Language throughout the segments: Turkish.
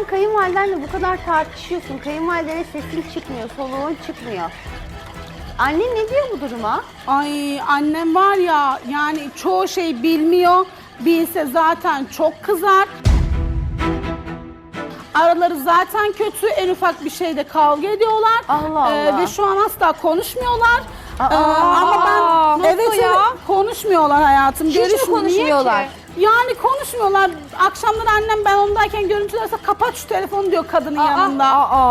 sen kayınvalidenle bu kadar tartışıyorsun. Kayınvalidene sesin çıkmıyor, soluğun çıkmıyor. Annen ne diyor bu duruma? Ay annem var ya, yani çoğu şey bilmiyor. Bilse zaten çok kızar. Araları zaten kötü. En ufak bir şeyde kavga ediyorlar. Allah Allah. Ve şu an asla konuşmuyorlar. Ama ben evet konuşmuyorlar hayatım. Hiç mi Görüşmüyor. konuşmuyorlar? Yani konuşmuyorlar. Akşamları annem ben ondayken görüntülerse kapat şu telefonu diyor kadının yanında.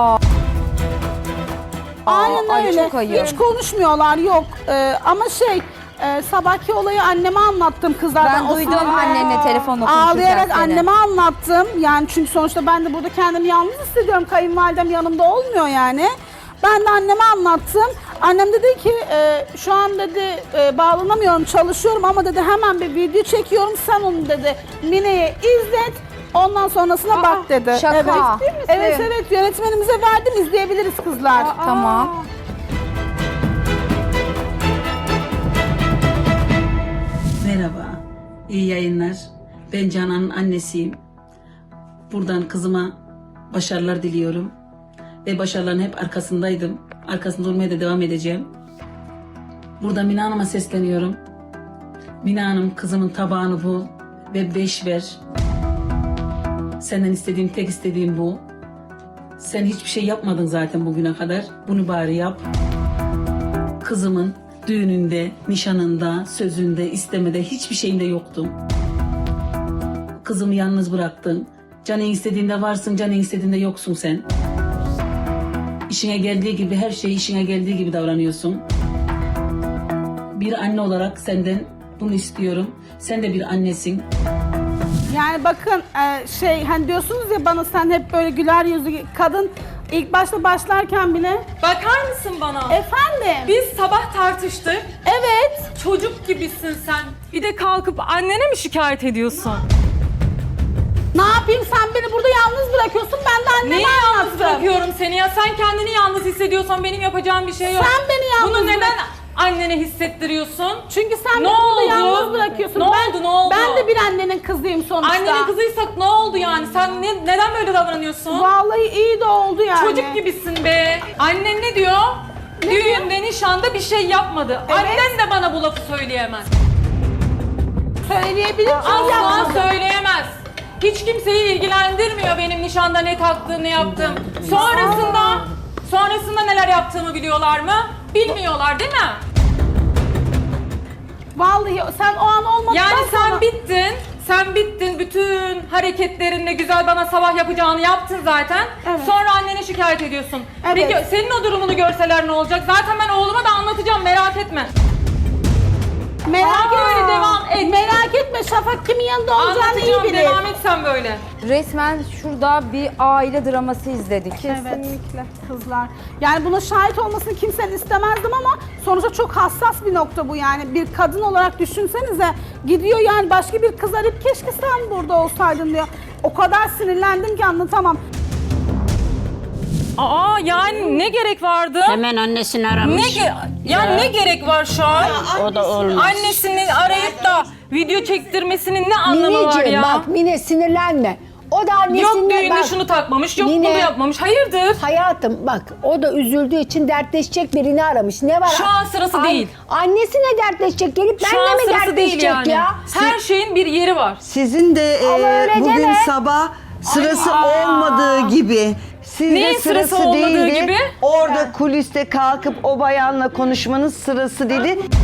Aynen ay, öyle. çok ayıp. Hiç konuşmuyorlar yok. Ama sabahki olayı anneme anlattım kızlardan. Ben duydum annenle telefonla konuşurken Ağlayarak seni. anneme anlattım. Yani çünkü sonuçta ben de burada kendimi yalnız hissediyorum. Kayınvalidem yanımda olmuyor yani. Ben de anneme anlattım. Annem dedi ki şu an dedi bağlanamıyorum, çalışıyorum ama dedi hemen bir video çekiyorum. Sen onu dedi Mine'ye izlet. Ondan sonrasına bak dedi. şaka. Evet. Ciddi misin? Evet yönetmenimize verdim, izleyebiliriz kızlar. Tamam. Merhaba, iyi yayınlar. Ben Canan'ın annesiyim. Buradan kızıma başarılar diliyorum. Ve başarıların hep arkasındaydım. Arkasında olmaya da devam edeceğim. Burada Mine Hanım'a sesleniyorum. Mine Hanım, kızımın tabağını bul ve 5 ver. Senden istediğim, tek istediğim bu. Sen hiçbir şey yapmadın zaten bugüne kadar. Bunu bari yap. Kızımın düğününde, nişanında, sözünde, istemede hiçbir şeyinde yoktum. Kızımı yalnız bıraktın. Canın istediğinde varsın, canın istediğinde yoksun sen. İşine geldiği gibi, her şeyi işine geldiği gibi davranıyorsun. Bir anne olarak senden bunu istiyorum. Sen de bir annesin. Yani bakın hani diyorsunuz ya bana sen hep böyle güler yüzlü kadın ilk başta başlarken bile. Bakar mısın bana? Efendim? Biz sabah tartıştık. Evet. Çocuk gibisin sen. Bir de kalkıp annene mi şikayet ediyorsun? Ne yapayım, sen beni burada yalnız bırakıyorsun, ben de anneme Neyi yalnız anlattım. bırakıyorum seni ya? Sen kendini yalnız hissediyorsan benim yapacağım bir şey yok. Sen beni yalnız Bunu neden bırak- annene hissettiriyorsun? Çünkü sen Ne beni burada oldu? yalnız bırakıyorsun. Ne oldu, ne oldu? Ben de bir annenin kızıyım sonuçta. Annenin kızıysak ne oldu yani? Sen neden böyle davranıyorsun? Vallahi iyi de oldu yani. Çocuk gibisin be. Annen ne diyor? Düğünde, nişanda bir şey yapmadı. Evet. Annen de bana bu lafı söyleyemez. Söyleyebilir miyim? Asla Yapmadım. söyleyemez. Hiç kimseyi ilgilendirmiyor benim nişanda ne taktığım, ne yaptığım. Sonrasında neler yaptığımı biliyorlar mı? Bilmiyorlar değil mi? Vallahi sen o an olmadıktan Yani sen sonra- bittin. Sen bittin. Bütün hareketlerinle güzel bana sabah yapacağını yaptın zaten. Evet. Sonra annene şikayet ediyorsun. Evet. Peki senin o durumunu görseler ne olacak? Zaten ben oğluma da anlatacağım, merak etme. Merak Böyle devam et. Merak etme, Şafak kimin yanında olacağını iyi Anlatacağım, bilir. devam et sen böyle. Resmen şurada bir aile draması izledik. Kesinlikle kızlar. Yani buna şahit olmasını kimsenin istemezdim ama sonuçta çok hassas bir nokta bu yani. Bir kadın olarak düşünsenize, gidiyor yani başka bir kız arayıp keşke sen burada olsaydın diyor. O kadar sinirlendim ki anlatamam. Aa yani ne gerek vardı? Hemen annesini aramış. Ne gerek var şu an? O da olmaz. Annesini arayıp da video çektirmesinin ne anlamı var Mineciğim ya? bak Mine sinirlenme. O da annesine Yok düğünde bak. şunu takmamış, yok Mine, bunu yapmamış. Hayırdır? Hayatım bak o da üzüldüğü için dertleşecek birini aramış. Ne var? Şu an sırası değil. Annesine dertleşecek, gelip Şu benimle an mi sırası değil dertleşecek yani. ya? Her şeyin bir yeri var. Sizin de Ama öyle bugün deme. sabah sırası olmadığı gibi. Sizde Neyin sırası olmadığı değildi. gibi? Orada kuliste kalkıp o bayanla konuşmanız sırası dedi.